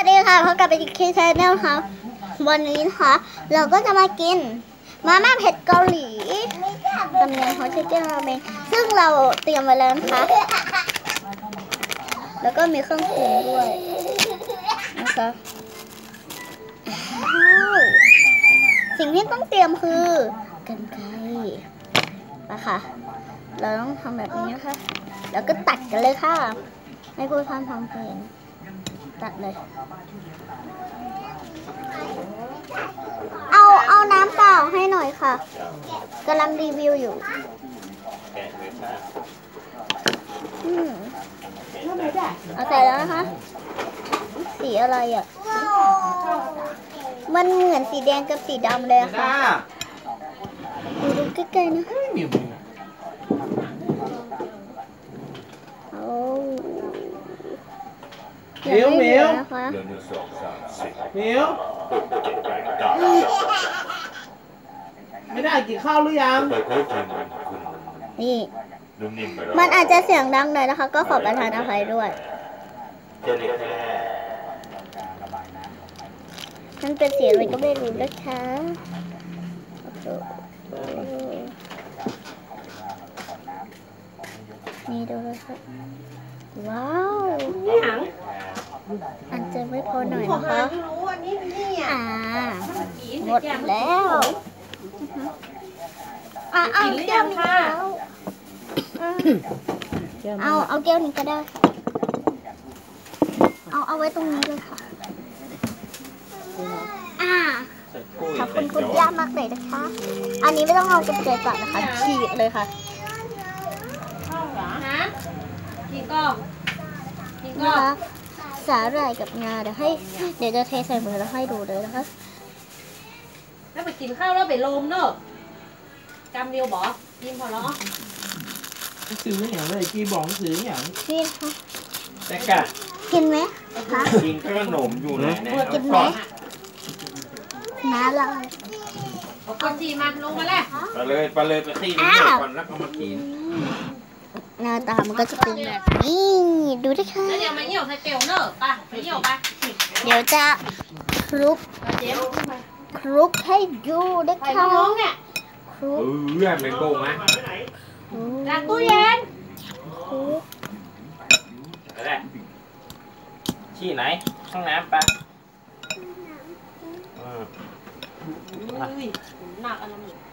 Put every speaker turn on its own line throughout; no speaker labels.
สดีค่ะพบกับเป็นคิวชาแนลค่ะวันนี้นะคะเราก็จะมากินมาม่าเผ็ดเกาหลีตำเนียงฮอตชิคเก้นราเมงซึ่งเราเตรียมไว้แล้วนะคะแล้วก็มีเครื่องปรุงด้วยนะคะสิ่งที่ต้องเตรียมคือกรรไกรนะคะเราต้องทำแบบนี้นะคะแล้วก็ตัดกันเลยค่ะไม่พูดพร่ำทำเพลงตัดเลยเอาน้ำเปล่าให้หน่อยค่ะกำลังรีวิวอยู่เอาใส่แล้วนะคะสีอะไรอ่ะมันเหมือนสีแดงกับสีดำเลยค่ะดูใกล้ๆนะ
เหมียวเหมียวไม่ได้กินข้าวหรือยัง
นี่มันอาจจะเสียงดังหน่อยนะคะก็ขอประทานอภัยด้วยมันเป็นเสียงอะไรก็ไม่รู้นะคะนี่ดูเลยค่ะว้าวอันจะไม่พอหน่อยนะคะหมดแล้วเอาแก้วนี้เอาแก้วนี้ก็ได้เอาไว้ตรงนี้เลยค่ะขอบคุณคุณย่ามากเลยนะคะอันนี้ไม่ต้องเอากระเจี๊ยบตัดนะคะฉีกเลยค่ะนะคะสาหร่ายกับงาเดี๋ยวจะเทใส่มือแล้วให้ดูเลยนะคะ
แล้วไปกินข้าวแล้วไปลมเนอะกำเดียวบอกกินพอแล้ว
ซื้ออย่างเลยกีบองซื้ออย่าง
นี่ค่ะ
แต่กะ
กินไหมคะ
กินขนมอยู่ไหน
เนี่ยกินไหมน้าเรา
เอาคนจีมาลงมาแล้ว
ไปเลยไปขี้นี่ก่อนแล้วก็มากิน
หน้าตามันก็จะเป็นแบบนี้ดูด้วยค่ะ
แล้วเดี๋ยวมาเหี่ยวใส่เกลียวเนอะป่ะไปเหี่ยวป่ะ
เดี๋ยวจะคลุกให้ดูนะคะคลุก
เรื่องเป็นโกงไหม
ล้างตู้เย็น
อะไรชี้ไหนห้องน้ำปะ
หนักอะไรนี่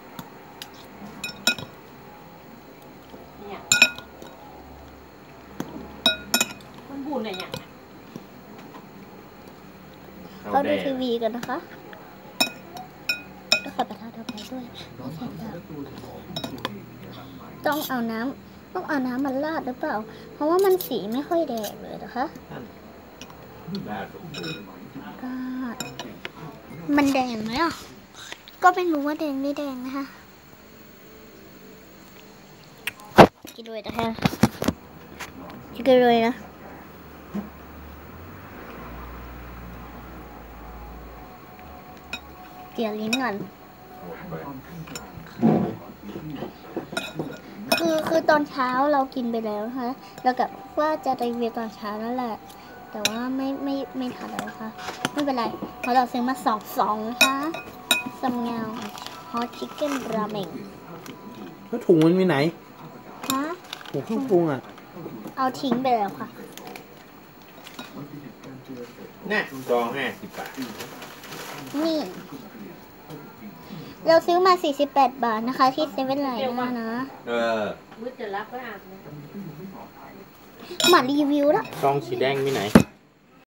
เนี่ยมันบุญอะไรอย่าง
ก็ดูทีวีกันนะคะก็ขอประทานอภัยด้วยต้องเอาน้ำมันราดหรือเปล่าเพราะว่ามันสีไม่ค่อยแดงเลยนะคะมันแดงไหมอ่ะก็ไม่รู้ว่าแดงไม่แดงนะคะกินด้วยนะคะกินด้วยนะเกี่ยวลิ้นก่อนคือตอนเช้าเรากินไปแล้วนะคะเรากับว่าจะรีวิวตอนเช้านั่นแหละแต่ว่าไม่ทันแล้วค่ะไม่เป็นไรเพราะเราซื้อมาสองนะคะซัมเงาฮอตชิคเก้นราเมง
แล้วถุงมันมีไหน
ฮะ
ถุงเครื่องปรุงอ่ะ
เอาทิ้งไปแล้วค่ะ
น่ะ50 บาท
นี่เราซื้อมา48 บาทนะคะที่เซเว่นไลน์นะ
มือจะรับก็อาบนะ
มารีวิวแล้ว
ซองสีแดงมีไหน